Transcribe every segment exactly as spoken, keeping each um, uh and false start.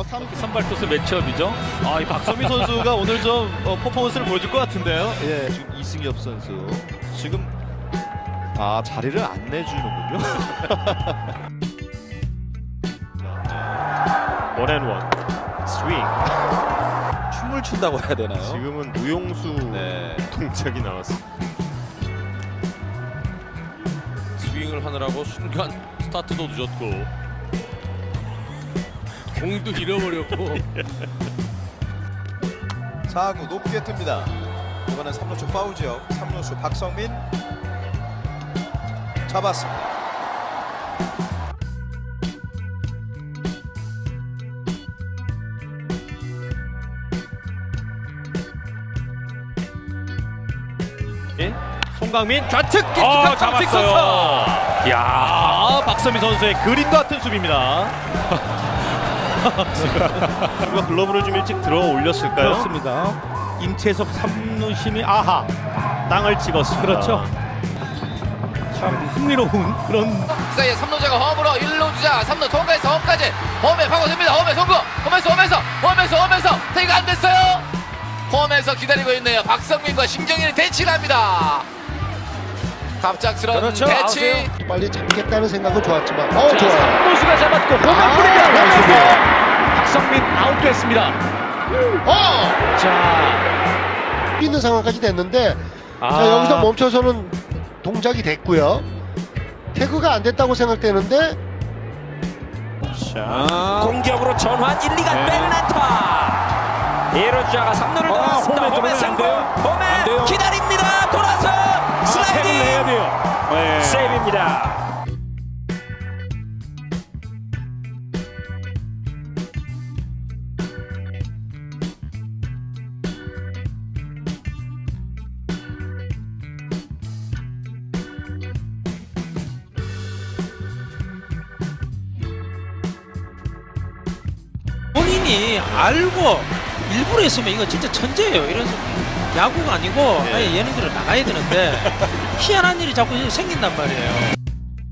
삼 선발 투수 매치업이죠. 아, 이 박선미 선수가 오늘 좀 어, 퍼포먼스를 보여줄 것 같은데요. 예, 지금 이승엽 선수 지금 아 자리를 안 내주는군요. 원앤원 스윙. 춤을 춘다고 해야 되나요? 지금은 무용수 네. 동작이 나왔습니다. 스윙을 하느라고 순간 스타트도 늦었고 공도 잃어버렸고 사 구 높게 뜹니다. 이번엔 삼 루수 파울 지역. 삼 루수 박성민 잡았습니다. 송강민 좌측 어, 깊숙한 잡았어요. 삼sik선타. 야, 박선미 선수의 그림 같은 수비입니다. 누가 글러브를 좀 일찍 들어 올렸을까요? 그렇습니다. 임채섭 삼루심이 아하 땅을 찍었습니다. 그렇죠. 참 흥미로운 그런 사이에 삼 루자가 홈으로 일 루 주자 삼 루 통과해서 홈까지 홈에 파고듭니다. 홈에 송구 홈에서 홈에서 홈에서 홈에서 테이가 안 됐어요. 홈에서 기다리고 있네요. 박성민과 심정인이 대치를 합니다. 갑작스러운 그렇죠. 대치. 빨리 잡겠다는 생각은 좋았지만 어 좋아요. 삼루수가 잡았고 홈에 아, 뿌리다 나이스 홈에서 박성민 아웃됐습니다. 어! 자, 있는 상황까지 됐는데 아, 자, 여기서 멈춰서는 동작이 됐고요. 태그가 안 됐다고 생각되는데 자, 공격으로 전환 일, 이가 네. 백란타 일 루자가 삼 루를 어, 돌았습니다. 홈에 홈에 들어오면 안 승부 돼요. 안 홈에 돼요. 기다립니다. 돌아서 태그를 해야 슬라이딩 돼요. 네. 세이브입니다. 본인이 알고 일부러 했으면 이거 진짜 천재예요. 이런 야구가 아니고 아예 예능들을 나가야 되는데 희한한 일이 자꾸 생긴단 말이에요.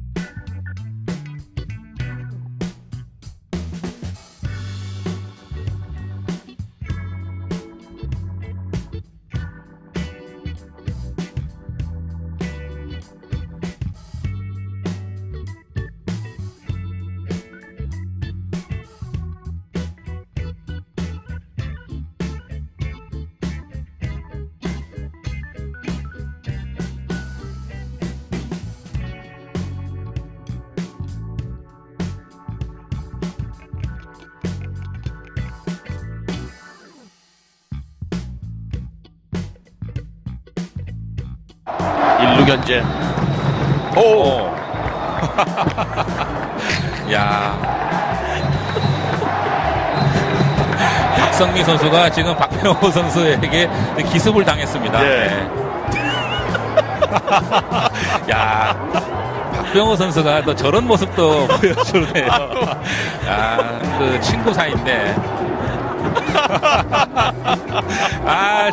일 루 견제. 오. 야. 박성민 선수가 지금 박병호 선수에게 기습을 당했습니다. 네. 네. 야. 박병호 선수가 또 저런 모습도 보여주네요. 아, 그 친구 사이인데. 아,